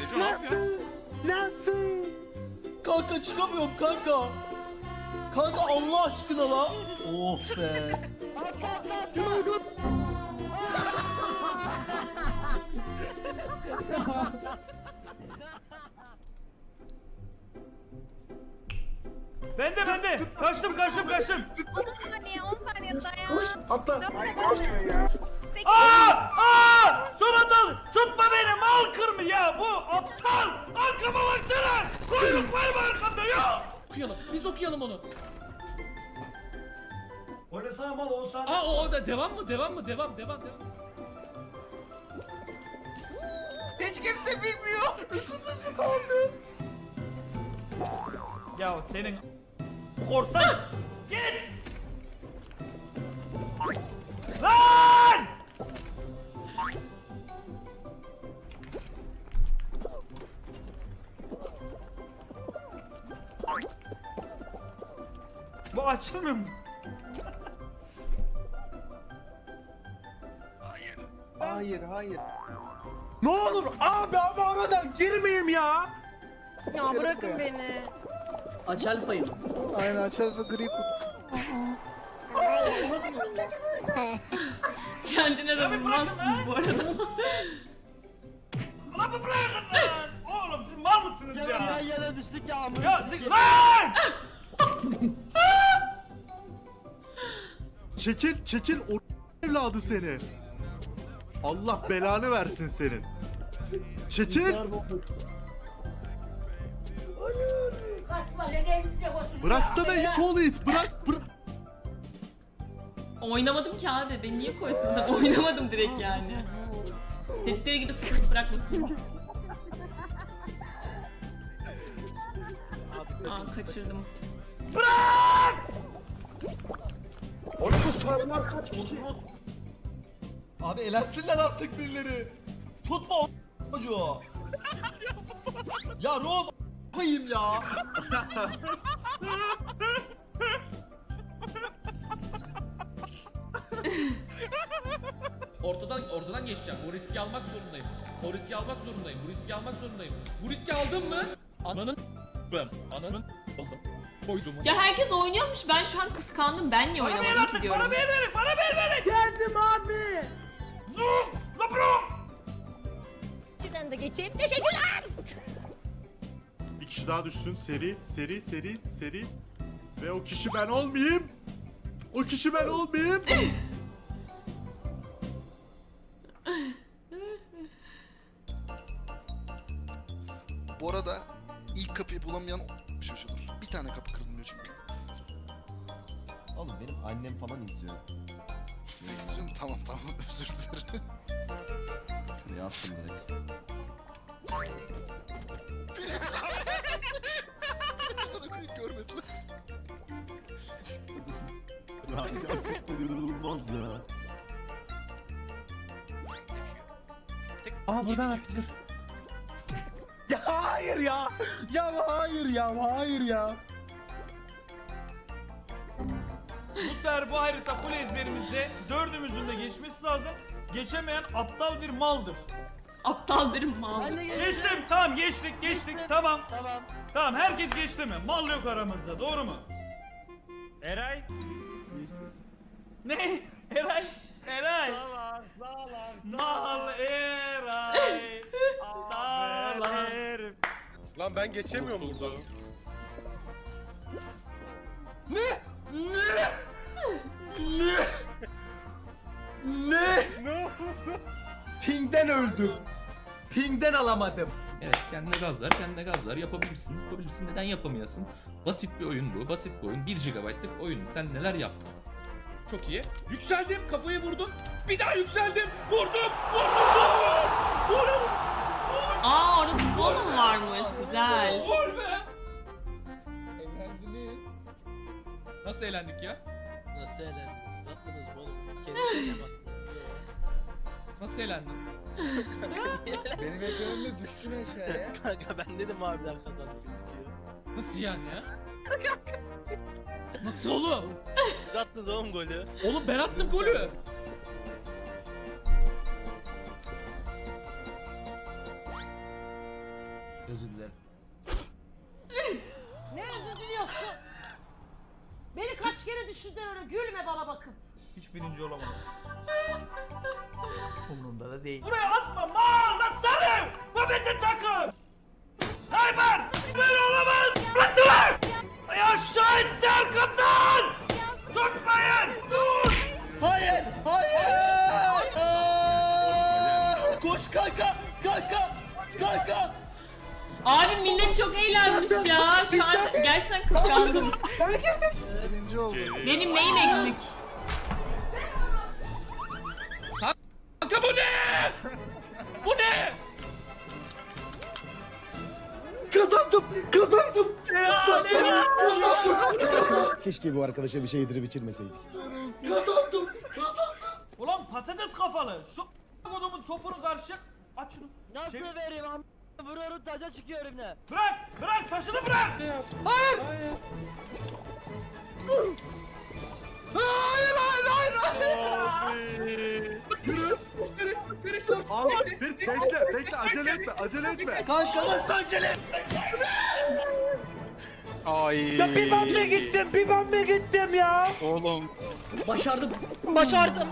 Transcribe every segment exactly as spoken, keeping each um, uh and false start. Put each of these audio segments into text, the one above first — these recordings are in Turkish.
Nasıl? Nasıl? Kanka çıkamıyorum kanka. Kanka Allah aşkına la. Oh be. Ben de ben de. Kaçtım kaçtım kaçtım. on saniye on saniye dayan. Atla. Aa! Aa! Son atal! Tutma beni mal kırmı ya bu aptal! Arkama baksana! Kuyruk var mı arkamda ya? Okuyalım. Biz okuyalım onu. Oynasana mal on saniye. Aa o da devam mı? Devam mı? Devam, devam, devam. Hiç kimse bilmiyor. İki kişi kaldı. Ya senin korsan git! Lan! Bu açılmıyor mu? Hayır hayır. Ne olur abi ama aradan girmeyeyim ya. Ya bırakın beni. Aç alfayı. Aynen açalım gri kurt. Kendine de vurmazsın bu arada. Lan bu bırakın lan! Oğlum siz mal mısınız ya? Yan yana düştük ya amına. Ya siz lan! Çekil, çekil o evladı seni. Allah belanı versin senin. Çekil. Bıraksana it oğlu it. Bırak, bırak. Oynamadım ki abi. Ben niye koysun adam? Oynamadım direkt yani. Dedikleri gibi sıkılıp bırakmasın. Aa kaçırdım. Oğlum bu sarılar kaç kişi? Abi elensinler artık birileri. Tutma o çocuğu. Ya Rom koyayım ya. Ortadan ortadan geçeceğim. Bu riski almak zorundayım. O riski almak zorundayım. Bu riski almak zorundayım. Bu riski aldım mı? Ananın ben ananın aldım. Koydum. Ya herkes oynuyormuş. Ben şu an kıskandım. Ben niye Bana ver oynamadım ki artık, diyorum. bana ver verin, bana ver verin! Geldim abi. Dur! La bro! İçinden de geçeyim. Teşekkürler. Bir kişi daha düşsün. Seri, seri, seri, seri. Ve o kişi ben olmayayım. O kişi ben olmayayım. Bu arada ilk kapıyı bulamayan şaşırır. Bir tane kapı kırılmıyor çünkü. Oğlum benim annem falan izliyor. Ne istiyorsun? Tamam tamam özür dilerim. Şuraya attım direkt. Bana koyup görmediler. Ya gerçekten inanılmaz ya. Aa buradan atılır. Ya hayır ya. Ya hayır ya hayır ya. Bu sefer bu harita full ezberimizde dördümüzün de geçmesi lazım. Geçemeyen aptal bir maldır. Aptal bir mal. Ben de geldim. Geçtim, tamam geçtik, geçtik, tamam. Tamam. Tamam, herkes geçti mi? Mal yok aramızda, doğru mu? Eray? Ne? Eray? Eray? Sağlar, sağlar. Mal Eray. Sağlam. Lan ben geçemiyorum burada. Ne? Ne? Ne? Ne? Ne oldu? Ping'den öldüm. Ping'den alamadım. Evet kendine gazlar, kendine gazlar yapabilirsin. Yapabilirsin. Neden yapamayasın? Basit bir oyun bu. Basit bir oyun. bir gigabaytlık oyun. Sen neler yaptın? Çok iyi. Yükseldim. Kafayı vurdum. Bir daha yükseldim. Vurdum. Vurdum. Vurdum. Aa orada futbol mu varmış? Güzel. Vur be. Evlendiniz. Nasıl eğlendik ya? Nasıl eğlendiniz? Siz attınız mı oğlum? Kendinize bak. Nasıl eğlendin? Benim ekranımda düşsün aşağıya. Kanka ben dedim harbiden kazandık gözüküyor. Nasıl yani ya? Nasıl oğlum? Siz attınız oğlum golü. Oğlum ben attım golü. Lan gülme bana bakın. Hiç birinci olamadım. Umurumda da değil. Buraya atma mal lan sarı! Bu bizim takım! Hayber! Böyle olamaz! Bıraktılar! Ya şahitler kaptan! Tutmayın! Dur! Hayır! Hayır! Aa! Koş kanka! Kanka! Kanka! Abi millet çok eğlenmiş ya. Şu an gerçekten kıskandım. Birinci oldu. Benim neyim eksik? Kanka bu ne? Bu ne? Kazandım! Kazandım! Keşke bu arkadaşa bir şey yedirip içirmeseydik. Kazandım! Kazandım! Ulan patates kafalı! Şu kodumun topunu karşı aç şunu. Nasıl Çevir. vereyim am? Vuruyorum taca çıkıyor elimden. Bırak! Bırak! Taşını bırak! Hayır! Hayır hayır hayır! Abi. Yürü. Abi dur bekle bekle acele etme acele etme. Kanka nasıl acele? Ya bir ben mi gittim bir ben mi gittim ya? Başardım. Başardım.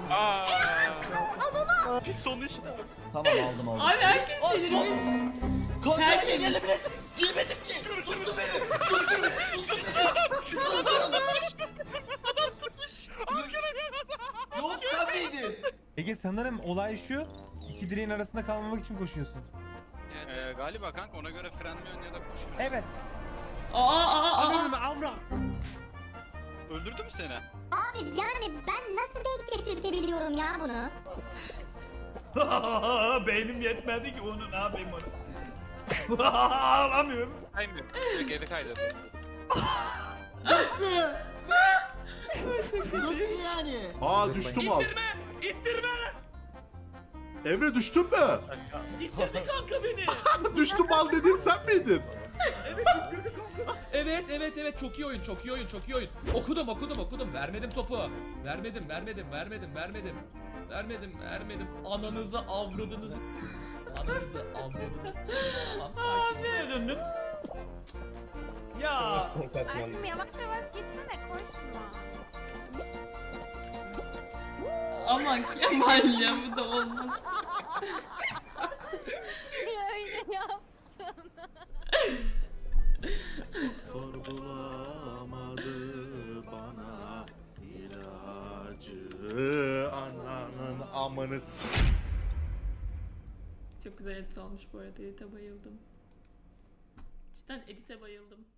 Tamam aldım aldım. Abi herkes Ay, delirmiş. Kanka Herkes- elini biletim. Girmedim ki. Tuttu beni. Tuttu beni. Yok sen miydin? Ege sanırım olay şu. İki direğin arasında kalmamak için koşuyorsun. Ee, galiba kanka ona göre frenliyorsun ya da koşuyorsun. Evet. Aa aa aa. Amra. Öldürdü mü seni? Abi yani ben nasıl denk getirtebiliyorum ya bunu? Beynim yetmedi ki onu ne yapayım onu. Ağlamıyorum. Kaymıyor. Geri kaydı. Nasıl? Nasıl yani? Aa düştüm abi. İttirme! İttirme! Emre düştün mü? İttirdi kanka beni! Düştüm mal dediğim sen miydin? Evet evet evet çok iyi oyun çok iyi oyun çok iyi oyun. Okudum okudum okudum vermedim topu. Vermedim vermedim vermedim vermedim. Vermedim vermedim. Ananızı avradınızı. Ananızı avradınızı. Tamam sakin. Ne döndün? Ya. Aşkım yavaş yavaş gitsene koşma. Aman Kemal ya bu da olmaz. Öyle yap. Sorgulamadı bana ilacı ananın amanı s- Çok güzel edit olmuş bu arada. Edit'e bayıldım. Cidden edit'e bayıldım.